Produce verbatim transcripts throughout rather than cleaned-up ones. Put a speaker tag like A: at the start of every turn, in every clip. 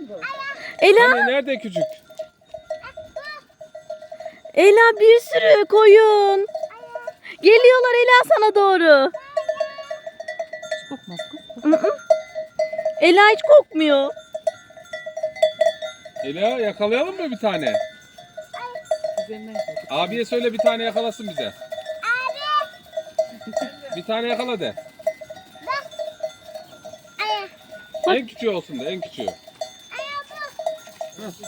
A: Ela,
B: Hani nerede küçük?
A: Ela bir sürü koyun. Geliyorlar Ela sana doğru.
C: Kokmaz kız.
A: Hı hı. Ela hiç kokmuyor.
B: Ela yakalayalım mı bir tane?
C: Üzerinden koy.
B: Abiye söyle bir tane yakalasın bize. Bir tane yakala de. En küçüğü olsun da en küçüğü. Heh.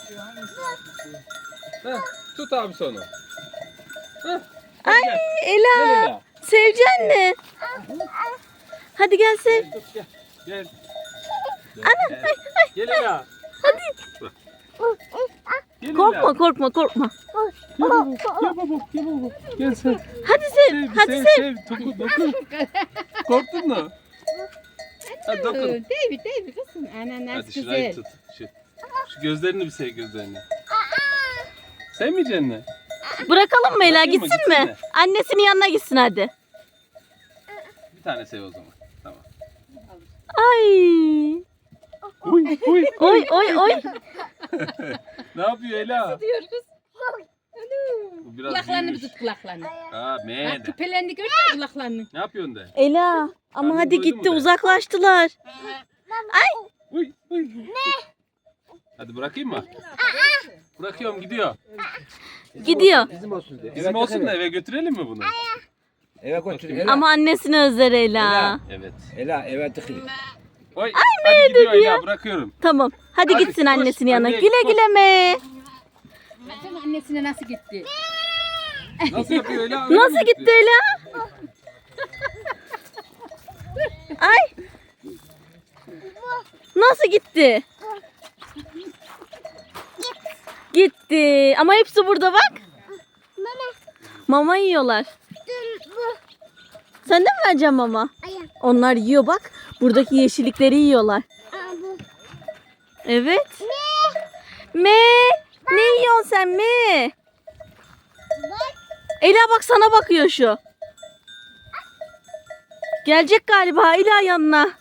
B: Heh, tut abi onu. Heh, hadi
A: Ay
B: gel.
A: Ela,
B: Gel Ela.
A: sevecen mi? Hadi gel sev.
B: Gel, tut, gel. Gel. Gel,
A: Ana,
B: gel.
A: ay, ay.
B: Gel Ela.
A: Hadi.
B: Gel
A: Korkma
B: Ela.
A: korkma korkma.
B: Gel baba. Gel baba. Gel baba. Gel sen.
A: Hadi sev.
B: Sev,
A: Hadi
B: sev,
A: sev.
B: sev. Dokun, dokun. Korktun mu? Hadi dokun.
C: Değil mi? Değil mi kızım? Ana nasıl
B: Hadi şurayı
C: güzel.
B: tut. Şu, şu gözlerini bir sev gözlerini. Sevmeyeceksin mi?
A: Bırakalım mı Ela,
B: Bırakayım mı?
A: gitsin
B: Gitsin
A: mi?
B: mi?
A: Annesinin yanına gitsin hadi.
B: Bir tane sev o zaman. Tamam.
A: Ay.
B: Uy, uy.
A: Oy oy oy.
B: Ne yapıyor Ela?
C: Diyor kız.
B: Bu biraz
C: Kulaklarını bir
B: büyümüş.
C: tut kulaklarını.
B: Ha, me
C: Bak
B: de.
C: küpelerini gördün mü kulaklarını?
B: Ne yapıyorsun de?
A: Ela ama
B: Karnın
A: hadi
B: doydu mu
A: gitti
B: be?
A: uzaklaştılar.
B: Uy, uy. Hadi bırakayım mı? Bırakıyorum gidiyor.
A: Gidiyor.
D: Bizim olsun diye.
B: Bizim olsun da eve götürelim mi bunu?
D: Eve götür. Ela.
A: Ama annesini özler Ela.
D: Ela.
B: Evet.
D: Ela eve tıkılır.
B: Oy, hadi gidiyor
A: dedi ya?
B: Ela bırakıyorum.
A: Tamam. Hadi
B: Hadi,
A: gitsin
B: koş,
A: annesinin yanına.
B: anneye
A: Güle
B: koş.
A: güle me.
C: Baksana annesine nasıl gitti.
B: Nasıl yapıyor Ela? Öyle mi
A: Nasıl gitti Ela? Ay. Nasıl gitti? Gitti. Ama hepsi burada bak. Mama yiyorlar. Sen de mi vereceksin mama? Onlar yiyor bak. Buradaki yeşillikleri yiyorlar. Evet. Me. Ne yiyorsun sen me? Ela bak sana bakıyor şu. Gelecek galiba Ela yanına.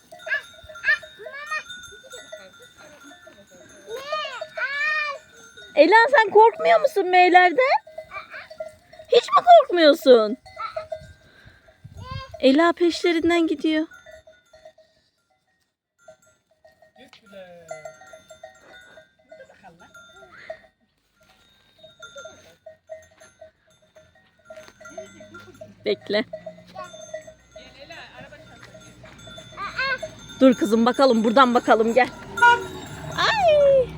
A: Ela sen korkmuyor musun meylerden? Hiç mi korkmuyorsun? Ela peşlerinden gidiyor. Bekle. Dur kızım bakalım buradan bakalım gel. Ay.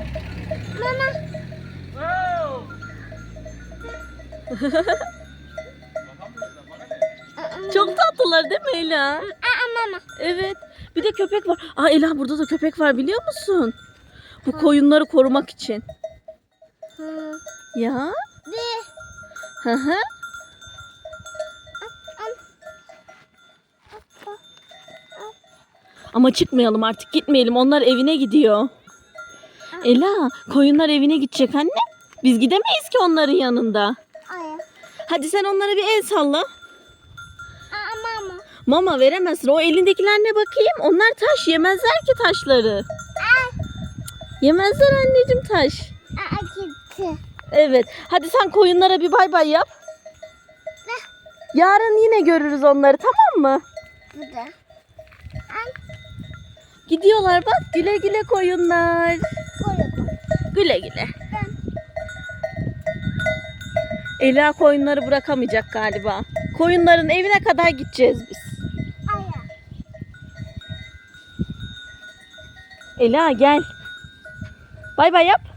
A: Çok tatlılar değil mi Ela? Evet. Bir de köpek var. Aa Ela burada da köpek var biliyor musun? Bu koyunları korumak için. Ya? Hı hı. Ama çıkmayalım artık gitmeyelim. Onlar evine gidiyor. Ela koyunlar evine gidecek anne. Biz gidemeyiz ki onların yanında. Hadi sen onlara bir el salla. Mama veremezsin. O elindekiler ne bakayım? Onlar taş. Yemezler ki taşları. Yemezler anneciğim taş. Evet. Hadi sen koyunlara bir bay bay yap. Yarın yine görürüz onları tamam mı? Gidiyorlar bak. Güle güle koyunlar. Güle güle. Ela koyunları bırakamayacak galiba. Koyunların evine kadar gideceğiz biz. Ela gel. Bay bay yap.